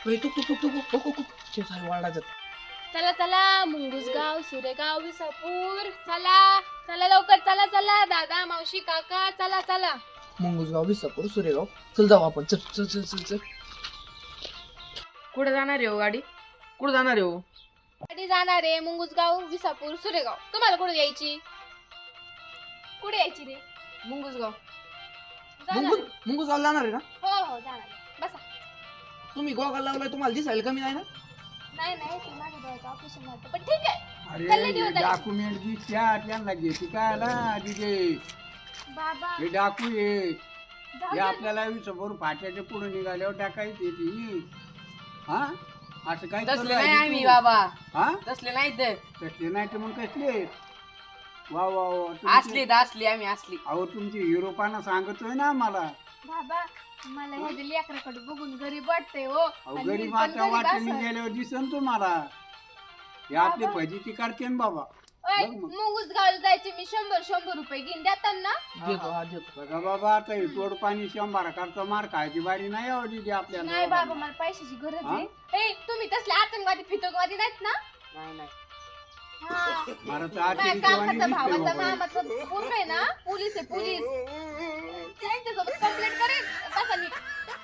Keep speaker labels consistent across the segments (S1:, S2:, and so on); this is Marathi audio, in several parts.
S1: तुक तुक तुक तुक तुक तुक शेजारी वाढायचं.
S2: चला चला मुंगुसगाव सुरेगाव विसापूर चला चला लवकर चला चला दादा मावशी काका चला चला.
S1: मुंगुसगाव विसापूर सुरेगाव चल जाऊ आपण. चल चल चल चल चल.
S3: कुठे जाणार आहे हो गाडी?
S1: कुठं जाणार आहे हो?
S2: गाडी जाणार आहे मुंगुसगाव विसापूर सुरेगाव. तुम्हाला कुठे यायची? कुठे यायची रे?
S3: मुंगुसगाव.
S2: जाणार आहे.
S1: मुंगुसगाव जाणार आहे ना?
S2: हो हो जाणार आहे. बसा.
S1: तुम्ही गोगल लावलाय, तुम्हाला दिसायला कमी नाही ना?
S2: नाही नाही ते माझ्या डोळ्याचं ऑपरेशन झालं पण ठीक आहे.
S4: अरे
S2: चालले दिवस झाले.
S4: डॉक्युमेंट दिसत्या त्यांना घेते काय ना तिथे
S2: बाबा
S4: हे डाकू हे
S2: जाऊ
S4: हे
S2: दे.
S4: आपल्याला समोर फाट्याच्या पुढे निघाल्यावर टाकायची ती. हा असं काय
S3: तसले
S4: करू
S3: नाही
S4: राहिली
S3: आम्ही
S4: तू?
S3: बाबा,
S4: हा
S3: तसले नाही तर
S4: कसले नाही तर मग कसले वा वा वा तुमची-
S3: असली असली आम्ही असली.
S4: अहो तुमची हिरोपाना सांगतोय ना मला.
S2: बाबा मला हे लेकराकडे बघून गरीब वाटतंय हो.
S4: अहो
S2: आणि मी
S4: गरीब
S2: पण
S4: आता
S2: गरीब
S4: वाटेने
S2: असेल.
S4: गेल्यावर दिसन तुम्हाला हे आपली फजिती करते ना बाबा.
S2: ओय,
S4: बघ मग.
S2: मुंगुसगावला जायचे मी 100 रुपये घेऊन देतात ना.
S1: देतो हा देतो.
S4: बघा बाबा आता हे तोड पाणी 100 करता मार खायची बारी नाही आवडली ती आपल्याला.
S2: नाही बाबा मला पैशाची गरज
S4: हा?
S2: आहे. ए तुम्ही तसले आतंकवादी फितकवादी नाहीत ना?
S3: नाही नाही
S2: हा.
S4: मला तर
S2: माझ्या
S4: आश्चर्य
S2: काकाचा
S4: दिसतंय
S2: भावाचा
S4: बाबा.
S2: मामाचा पोरगा आहे ना पोलीस आहे पोलीस. त्यांच्यासोबत कंप्लेंट करेन. बसा नीट.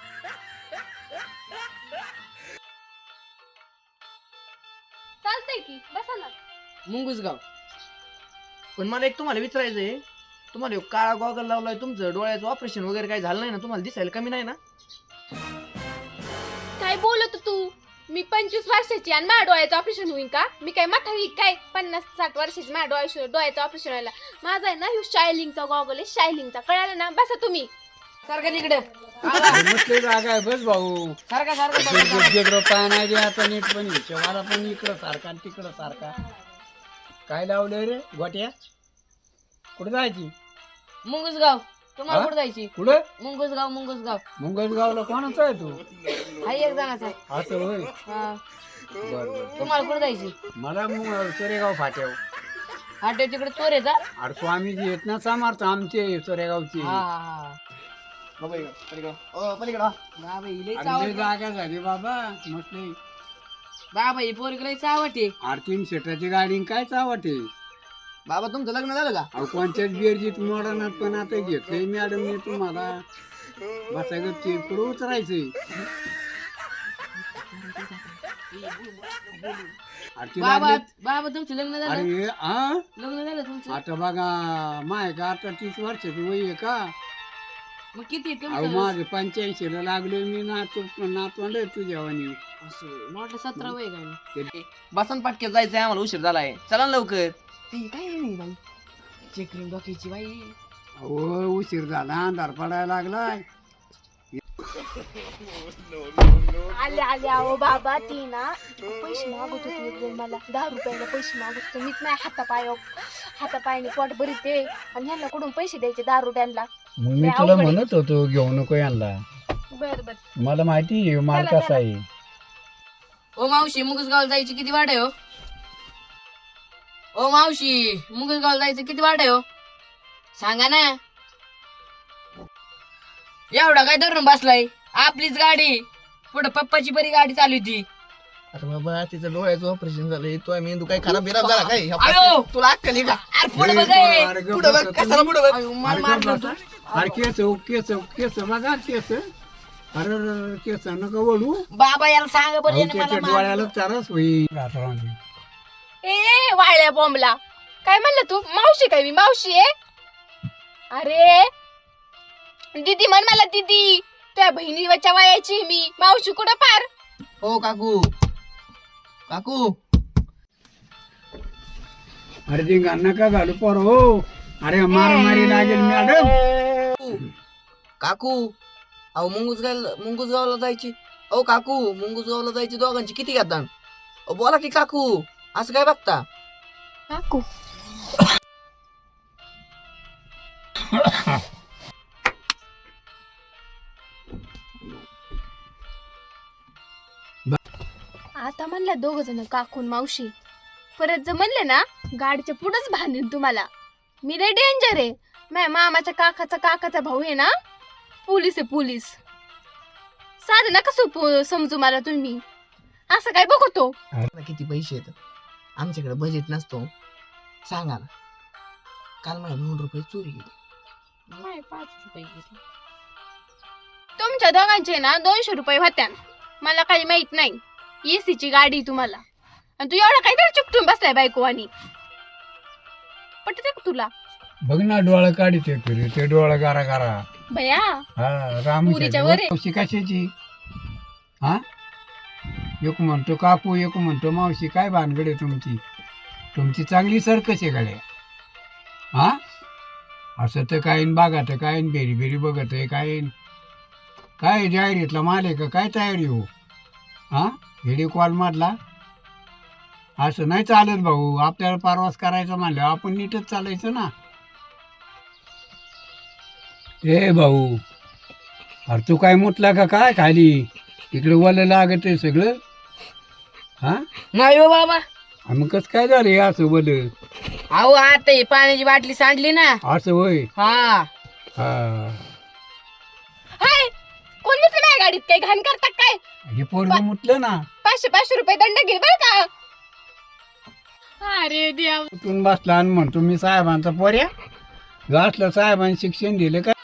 S2: चालतंय की बसा ना.
S3: मुंगुसगाव.
S1: पण मला एक तुम्हाला विचारायचंय, तुम्हाला एक काळा गॉगल लावलाय, तुमचं डोळ्याचं ऑपरेशन वगैरे काही झालं नाही ना? तुम्हाला दिसायला कमी नाही ना?
S2: काय बोलत तू? मी 25 वर्षाची आणि माझ्या डोळ्याचं ऑपरेशन होईल का? मी काय म्हातारी काय 50-60 वर्षाची माझ्या डोळ्याचं ऑपरेशन व्हायला? माझा आहे ना ह्यो शायलिंगचा गॉगल आहे, शायलिंगचा. कळालं ना? बसा तुम्ही.
S3: सारखा तिकडे
S4: मस्त जागा आहे बस भाऊ.
S3: सारखा सारखा
S4: गेगरो पाय नाही दे आता नीट पण शेवाला पण इकडं सारखा तिकडं सारखा. काय लावलंय रे गोट्या? कुठं जायची?
S3: मुंगुसगाव. तुम्हाला
S4: हा?
S3: कुठे जायची?
S4: कुठं?
S3: मुंगुसगाव मुंगुसगाव.
S4: मुंगसगावला कोणाचा आहे तू?
S3: हा एक जणाचा.
S4: असं होय.
S3: हा.
S4: बर बर.
S3: तुम्हाला कुठे जायची?
S4: मला मग सोरेगाव फाट्याव.
S3: हाटे तिकडे चोर येता.
S4: अरे स्वामीजी येत ना समर्थ आमचे सोरेगावचे.
S3: हा हा हा.
S1: बाबा इकडं, पलीकडं. पलीकडं.
S3: बाबा ही लई
S4: अरे लय
S3: चावट.
S4: जागा झाली बाबा मस्त.
S3: बाबा ही पोरगी लई चावट आहे.
S4: आरतीन शेटाची गाडी काय चावटे.
S1: बाबा तुमचं लग्न झालं का?
S4: अहो कोणत्याच बिअरजीत मोडणार पण आता घेतलंय मॅडम मी तुम्हाला. बसायचं ते पुढे उतरायचंय. आरती
S3: बाबा
S4: लागली.
S3: बाबा तुमचं लग्न झालं?
S4: अरे हा
S3: लग्न झालं तुमचं?
S4: आता बघा माय का आता 30 वर्षाची वय आहे का?
S3: मग किती आहे
S4: अहो
S3: तुमचं?
S4: माझं 85 ला लागलोय मी नातवंड आहे तुझ्या वाणी.
S3: असं म्हटलं 17 वय काय?
S1: बसन पाटक्यात जायचंय आम्हाला, उशीर झालाय. चला ना लवकर.
S3: काय नाही बाई चेकरिंग डोक्याची बाई.
S4: अहो उशीर झाला अंधार पडायला लागलाय.
S2: आले आले अहो बाबा ती ना पैसे मागत होती एक वेळ मला 10 रुपयाला पैसे मागत होते. मीच नाही हातापायाने पोट भरते आणि ह्यांना कुठून पैसे द्यायचे 10 रुपयांना.
S4: मग मी
S2: लय
S4: तुला
S2: अवघड आहे.
S4: म्हणत होतो घेऊ नको यांना.
S2: बर बर
S4: मला माहिती आहे माल
S2: चला,
S4: कसा आहे.
S3: ओ मावशी मुंगुसगावला जायची किती वाट आहे हो? ओ मावशी मुंगुसगावला जायचं किती वाट आहे हो? सांगा ना. एवढा काय धरून बसलाय? आपलीच गाडी. पुढे पप्पाची बरी गाडी चालू होती.
S1: अरे बाबा तिचं डोळ्याचं ऑपरेशन झालंय. तो मेंदू काय खराब बिराब झाला काय?
S3: आयो!
S1: तुला अक्कल आहे का?
S3: अरे पुढे बघ ए.
S4: अरे गप्प
S1: पुढं बघ,
S4: बसा
S1: कशाला पुढं बघ?
S3: आयो, मला मारलं तू.
S4: अरे केस बघा केस. अरे केस नका वळू.
S3: बाबा याला सांगा बरं
S4: अहो,
S3: याने
S4: त्याच्या
S3: मला
S4: डोळ्याला
S3: मारलं.
S4: चारच होईल.
S2: ए वाळ्या बॉम्बला काय म्हणलं तू? मावशी काय मी मावशी आहे? अरे दीदी म्हण मला दीदी. त्या बहिणीच्या वयाची मी मावशी कुठं पार.
S1: हो काकू. काकू
S4: अरे ते नका घालू पोर हो. अरे मारामारी लागेल मॅडम.
S1: काकू अहो मुंगुसगावला जायची. अहो काकू मुंगुसगावला जायची दोघांची किती घेतात? बोला की काकू, असं काय बघता?
S2: काकू आता म्हणलं 2 जण काकून मावशी. परत जर म्हणले ना गाडीच्या पुढंच बांधेन तुम्हाला. मी रे डेंजर आहे. माझ्या मामाच्या काकाचा भाऊ आहे ना पोलीस आहे पोलीस. माझं नका समजू मला तुम्ही. असं काय बघतो.
S1: आता किती पैसे येतात आमच्याकडे बजेट नसतो. सांगा ना काल माझे 2 रुपये चोरी गेली.
S3: 5 रुपये घेतले.
S2: तुमच्या दोघांचे ना 200 रुपये होत्या. मला काही माहित नाही. एसीची गाडी तुम्हाला आणि तू एवढा काहीतरी चुकटून बसलाय बायको आणि पटते का तुला?
S4: बघ ना डोळा काढते फिरे ते डोळा गारा गारा.
S2: भया
S4: हा
S2: पुरीच्या वर आहे.
S4: मावशी कशाची? हा एक म्हणतो काकू एक म्हणतो मावशी. काय भानगड आहे तुमची? तुमची चांगली सरकस आहे गाड्या. हा असं तर काय बागा तर काय बेरी बेरी बघत आहे काय. काय जाहिरीतला माल आहे का काय तयारी हो? हा व्हिडिओ कॉल मधला असं नाही चालत भाऊ. आपल्याला परवास करायचा म्हणलं आपण नीटच चालायचं ना. ए भाऊ अरे तू काय मुतला का काय खाली? इकडे वलं लागत आहे सगळं. हा
S3: नाही हो बाबा.
S4: मग कसं काय झालं हे असं वलं?
S3: अहो आता ही पाण्याची बाटली सांडली ना.
S4: असं होय.
S3: हा
S4: हा
S2: हाय कोण म्हटलं माझ्या गाडीत काही घाण करतात काय?
S4: हे पोरग मुतलं ना.
S2: 500 रुपये दंड घे बर का. अरे देव.
S4: उठून बसला आणि म्हणतो मी साहेबांचा पोऱ्या. घातलं साहेबांनी शिक्षण दिलं का?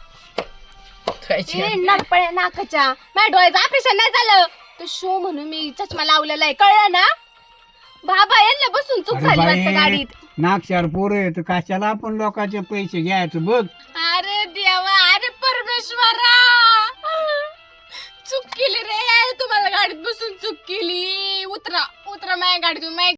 S2: नागपळ्या नाकाच्या माझ्या डोळ्याचं ऑपरेशन नाही झालं. तो शो म्हणून मी चष्मा लावलेला आहे कळलं ना. बाबा यांना बसून चूक
S4: अरे
S2: झाली
S4: बाई,
S2: वाटतं गाडीत.
S4: नागशार पोरं आहे तर कशाला आपण लोकांचे पैसे घ्यायचं बघ.
S2: अरे देवा अरे परमेश्वरा चूक केली रे. तुम्हाला गाडीत बसून चूक केली. उतरा उतरा माझ्या गाडीतून.